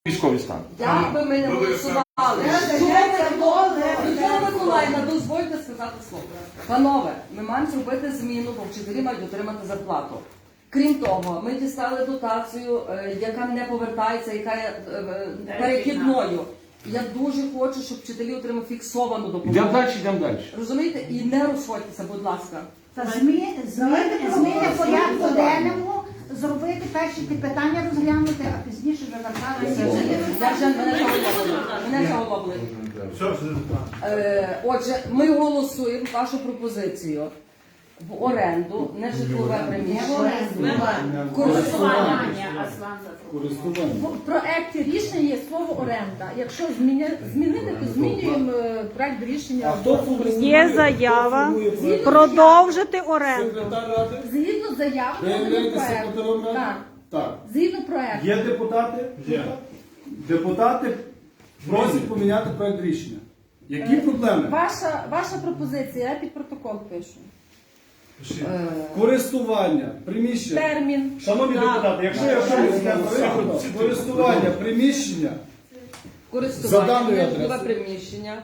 Військовий стан. Як би ми не голосували, Людмила Миколаївна, дозвольте сказати слово. Панове, ми маємо зробити зміну, бо вчителі мають отримати зарплату. Крім того, ми дістали дотацію, яка не повертається, яка є перехідною. Я дуже хочу, щоб вчителі отримали фіксовану допомогу. Йдемо далі. Розумієте? І не розходьтеся, будь ласка. Зміни порядку денному, зробити перші ті питання розглянути, а пізніше вже вертатися. Я вже мене заголовили. Отже, ми голосуємо вашу пропозицію в оренду, не житлове приміщення. В проекті рішення є слово оренда. Якщо змінити, то змінюємо проект рішення. Є заява продовжити оренду. Згідно заяви, подаємо проект. Так. Згідно проекту. Є депутати? Є. Депутати просять поміняти проект рішення. Які проблеми? Ваша пропозиція, я під протокол пишу. Користування, приміщення. Термін. Шановні депутати, якщо я щось користування, приміщення, За Користування, даною не житлове адресою. приміщення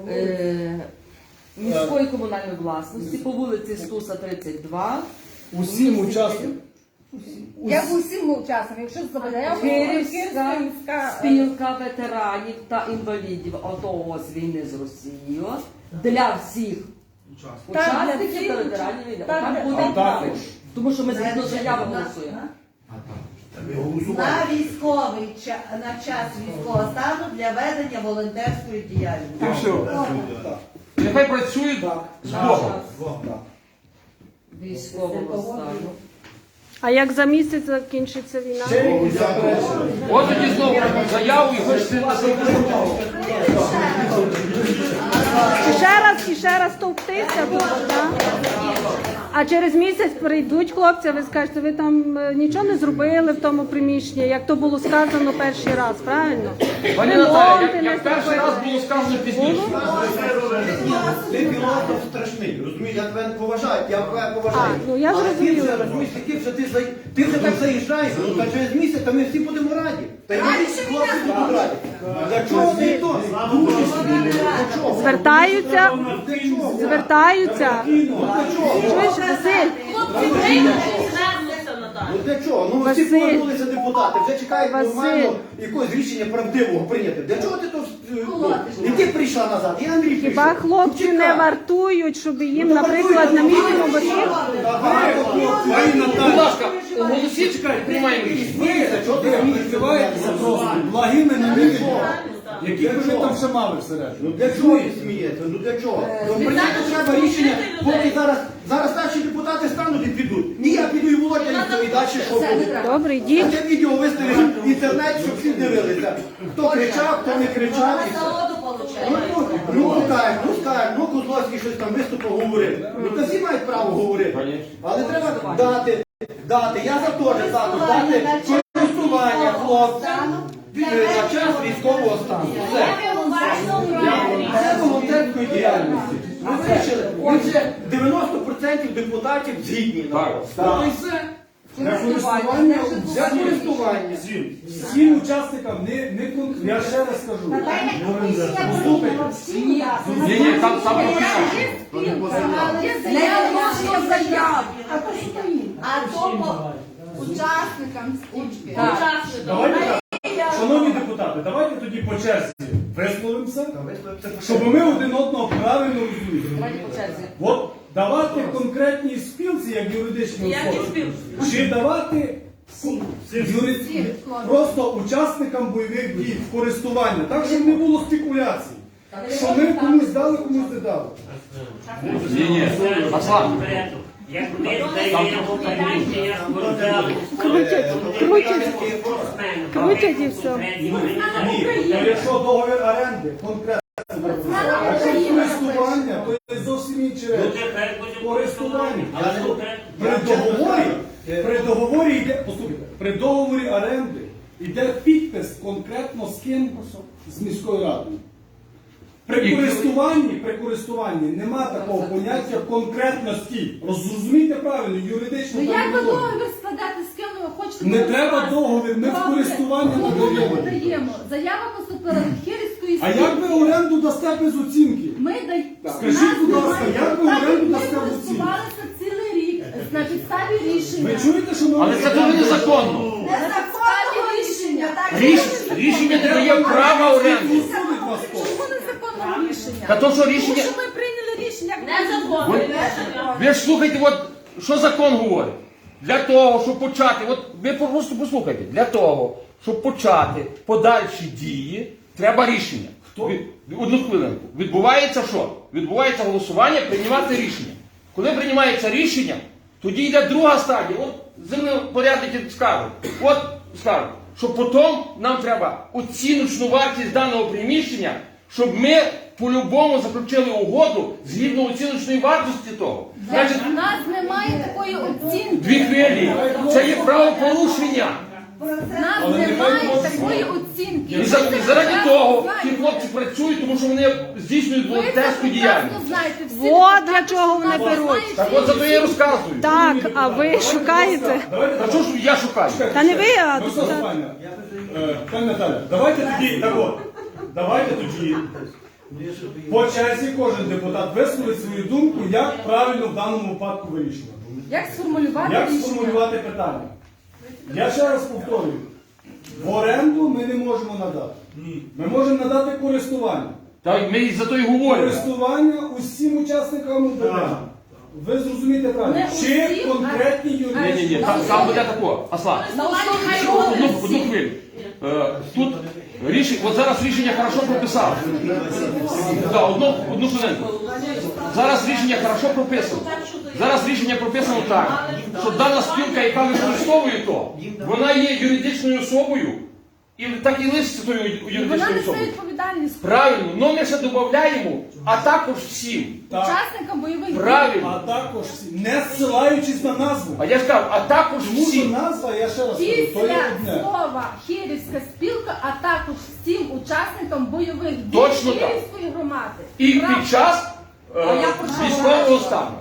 міської комунальної власності по вулиці Стуса, 32. усім учасникам. Я в усім учасникам, якщо заяву, Київська спілка ветеранів та інвалідів АТО з війни з Росією для всіх учасників та ветеранів війни. Там буде також. Тому що ми згідно заяви голосуємо. На військовий на час військового стану для ведення волонтерської діяльності. І все. Нехай працюють з Богом. Військового стану. А як за місяць закінчиться війна? От тоді знову заяву і хочете І ще раз товктися тут, так? А через місяць прийдуть хлопці, а ви скажете, ви там нічого не зробили в тому приміщенні, як то було сказано перший раз, правильно? Пані Наталя, як перший раз було сказано пізніше. Ти філософ страшний, розумієш, я тебе не поважаю, я тебе поважаю. Ну я Але ти зрозуміла. вже, розумієш, ти вже так заїжджаєш, та через місяць, та ми всі будемо раді. Та й ми всі хлопці будуть раді. Для чого ти то? Для чого? Звертаються. Для чого? Чуєш, Василь? Ну для чого? Ну всі Василь. повернулися депутати, вже чекають Василь. нормально якогось рішення правдивого прийняти. Для чого ти то? Не ти прийшла назад, я Андрій прийшов. Хіба хлопці не Чекай. вартують, щоб їм, наприклад, на місцевому батьків? Будь ласка, оголосіть, приймаємо рішення. Ви відкриваєтеся просто благими намірами. Які ви там ще мали всередині? Ну для чого ви смієте? Ну для чого? Ну прийняти треба рішення, поки зараз старші депутати стануть і підуть. Ні, я піду і Володя і далі що буде. Добре, А йдіть. це відео виставиш в інтернет, щоб всі дивилися. Хто кричав, хто не кричав. І все. Ну скажуть, ну Козловський щось там виступив, говорив. Ну то всі мають право говорити. Але треба дати. Я за теж дати користування хлопцям на час військового стану. Все. Це волонтерської діяльності. Ми вирішили. Отже, 90% депутатів згідні. Так. І все. Для користування. Всім учасникам я ще раз скажу. Ні, там Не можна заяв. А то по учасникам спічки. Давайте так. Шановні депутати, давайте тоді по черзі висловимося, щоб ми один одного правильно розуміли. Давайте по черзі. От давати конкретній спілці, як юридичній особі, чи давати просто учасникам бойових дій в користування, так, щоб не було спекуляцій. Що ми комусь дали, комусь не дали. Ні, Аслан. Як ми здаємо приміщення Крутять і все. Ні, то якщо договір оренди, конкретно. Якщо користування, то є зовсім інші речі. Користування. При договорі йде, послухайте, при договорі оренди йде підпис конкретно з ким? З міською радою. При користуванні нема такого поняття конкретності. Розумійте правильно, юридично. Ну як ви договір складати з ким хочете... Не треба договір, ми в Добре. користування Кому ми надаємо. надаємо? Заява поступила від Хирівської А як ви оренду дасте без оцінки? Ми даємо... Скажіть, будь ласка, як ви оренду дасте в оцінки? Ми користувалися цілий рік на підставі рішення. Ви чуєте, що ми... Але це дуже незаконно. На підставі рішення. Рішення не дає права оренди. Судить вас хто? Чому незаконного рішення? Та то, що рішення... Тому що ми прийняли рішення як незаконне. Ви ж слухайте, от, що закон говорить. Для того, щоб почати, от ви просто послухайте, для того, щоб почати подальші дії, треба рішення. Одну хвилинку. Відбувається що? Відбувається голосування, приймати рішення. Коли приймається рішення, тоді йде друга стадія. От землепорядники скажуть, що потім нам треба оціночну вартість даного приміщення, щоб ми по-любому заключили угоду згідно оціночної вартості того. Значить, У нас немає такої оцінки. дві хвилі. Це є правопорушення. У нас немає такої оцінки. І заради того ті хлопці працюють, тому що вони здійснюють Ви це волонтерську прекрасно діяльність. знаєте. Всі От прекрасно для чого вони знають. беруть. Так от за то я і розказую. Так, а ви шукаєте? А що ж я шукаю? Та не ви, а Ну, що, депутат. пані Наталя, давайте тоді, так от, давайте тоді по черзі кожен депутат висловить свою думку, як правильно в даному випадку вирішувати. Як сформулювати Як рішення? сформулювати питання? Я ще раз повторюю, в оренду ми не можемо надати. Ми можемо надати користування. Так ми за то і говоримо. Користування усім учасникам УБД. Ви зрозумієте правильно? Не Чи усім, конкретні юридичні? Ні, там буде тако. Аслан, На основі чого? одну хвилю. Тут от зараз рішення хорошо прописали. Так, одну хвилинку. Зараз рішення хорошо прописано. Зараз рішення прописано так, що дана спілка, яка використовує то, вона є юридичною особою, і так і лишиться тою Вона юридичною несе особою. відповідальність Правильно, але ми ще додаємо, а також всім. Так. учасникам бойових дій. Правильно. А також всі, не зсилаючись на назву. А я ж кажу, а також Тому що всім. назва, я ще раз кажу, то є Після одне. слова Хирівська спілка, а також всім учасникам бойових дій Точно так. Хирівської громади. І Правда. під час військового стану.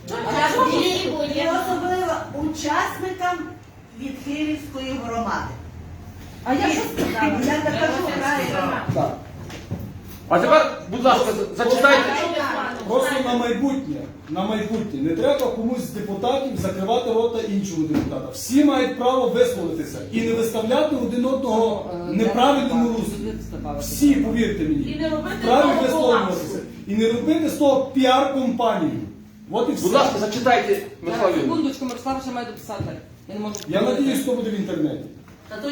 І особливо учасникам від Київської громади. А я що сказала? Я так кажу правильно. А тепер, будь ласка, зачитайте. Просто на майбутнє, не треба комусь з депутатів закривати рота іншого депутата. Всі мають право висловитися і не виставляти один одного в неправильному руслі. Всі, повірте мені, вправі висловлюватися. І не робити з того піар-компанію. От і Будь все. ласка, зачитайте, Михайло Юрійович. Секундочку, Мирослав ще має дописати. Я не можу. Я надіюсь, що буде в інтернеті. То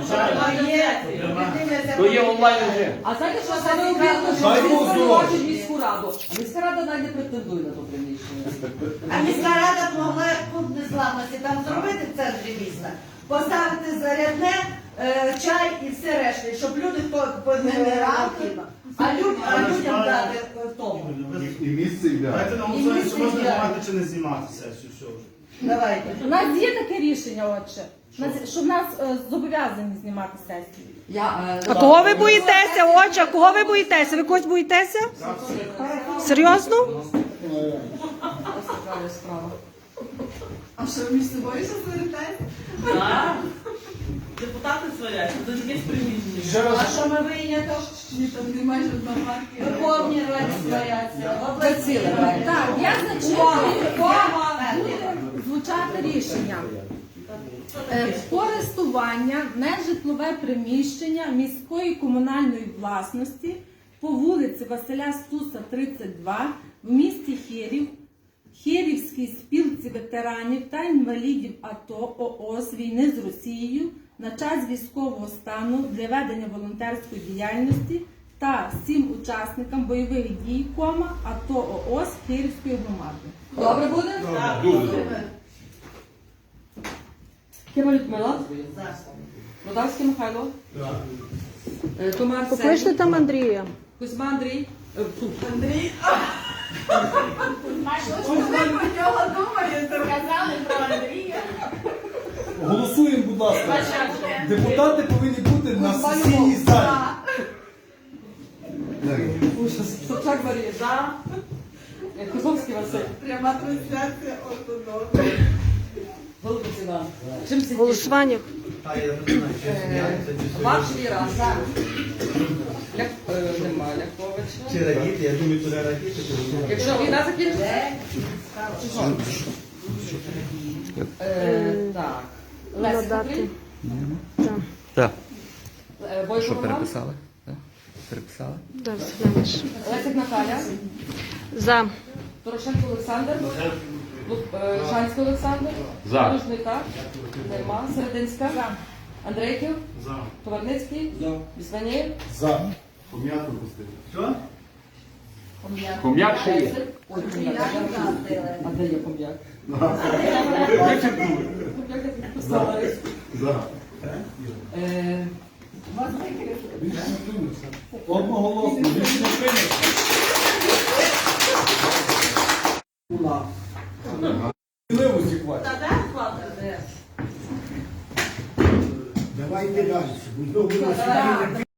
є онлайн режим. А знаєте, що саме обідно, що Дай ви Бог звинувачують міську раду, а міська рада навіть не претендує на то приміщення. А міська рада могла пункт незламності там зробити в центрі міста, поставити зарядне, чай і все решта, щоб люди хто не ранки, а людям дати в тому. І місце ідеальне. Давайте на голосування, чи можна знімати чи не знімати сесію, все вже. Давайте. У нас є таке рішення, отче, що в нас зобов'язані знімати сесію. А кого ви боїтеся, отче? А кого ви боїтеся? Ви когось боїтеся? Серйозно? Ось така справа. А що між собою що звертаєте? Депутати сваряться, це якесь приміщення. Ще раз. А що ми вийняли? Ні, там немає жодного марки. Верховні Раді сваряться. Це ціле. Так, я зачитую, буде звучати рішення. Користування нежитлове приміщення міської комунальної власності по вулиці Василя Стуса, 32 в місті Хирів, Хирівській спілці ветеранів та інвалідів АТО ООС війни з Росією на час військового стану для ведення волонтерської діяльності та всім учасникам бойових дій, АТО ООС Хирівської громади. Добре буде? Дуже. Кима Людмила? Рудавський Михайло? Томар Арсеній? Покличте там Андрія. Кузьма Андрій? Андрій? Голосуємо, будь ласка. Депутати повинні бути на сесійній залі. Собчак Марія? Козловський Василь? Пряма трансляція ортодоксу. Голубець Іван. Чим це Голосування. Та я не знаю, чи сміятися, чи Ваш Віра. Нема Ляховича. Чи радіти, я думаю, туди радіти. Якщо війна закінчиться? Чи що? Так. Леся Надати. Петрів. Так. Бойко Роман. Переписали? Да, Василяш. Лесик Наталя. За. Дорошенко Олександр. Шанський Олександр. За. Лужника. Нема. Серединська. Андрейків. За. Товарницький. Біснанєв. За. Пом'ятку пустити. Що? Хом'як ще є. Ой, Хом'як. А де є Хом'як? Хом'як я підписала. Одноголосно, рішення прийнято. Сміливості хватить. Давайте далі.